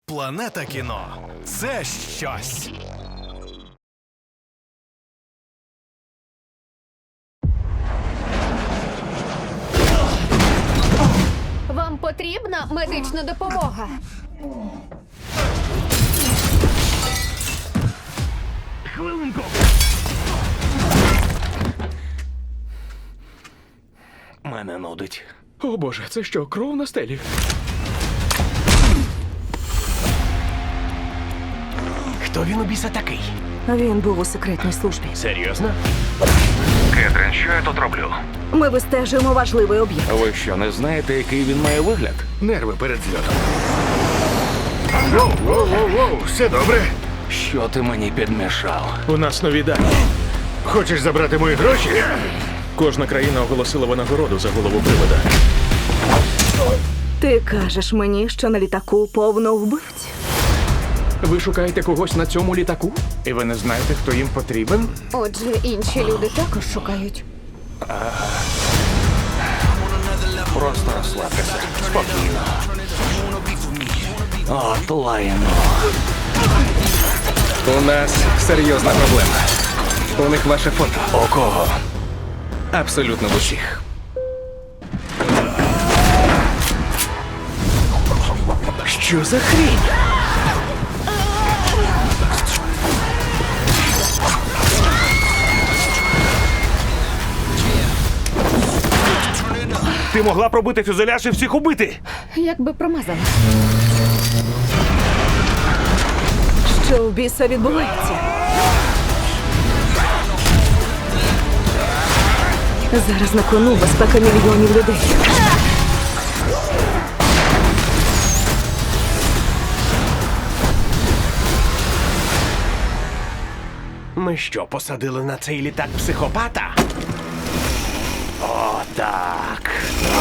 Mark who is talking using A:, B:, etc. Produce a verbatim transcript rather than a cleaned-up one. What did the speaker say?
A: Планета кіно – це щось.
B: Вам потрібна медична допомога?
C: Хвилинку. Мене нудить.
D: О боже, це що, кров на стелі?
C: Хто він у біса такий?
E: Він був у секретній службі.
C: Серйозно? Кетрин, що я тут роблю?
E: Ми вистежуємо важливий об'єкт.
C: Ви що, не знаєте, який він має вигляд?
D: Нерви перед зльотом.
F: Воу-воу-воу, все добре?
C: Що ти мені підмішав?
D: У нас нові дані.
F: Хочеш забрати мої гроші?
D: Кожна країна оголосила винагороду за голову привода.
E: Ти кажеш мені, що на літаку повно вбивць?
D: Ви шукаєте когось на цьому літаку? І ви не знаєте, хто їм потрібен?
B: Отже, інші люди також шукають.
C: Просто розслабтеся. Спокійно. От лайно.
D: У нас серйозна проблема. У них ваше фото.
C: У кого?
D: Абсолютно в усіх.
C: Що за хрінь? Ти могла пробити фюзеляж і всіх убити!
B: Як би промазала.
E: Що в біса відбувається? Зараз на кону безпека мільйонів людей.
C: Ми що, посадили на цей літак психопата? О, так.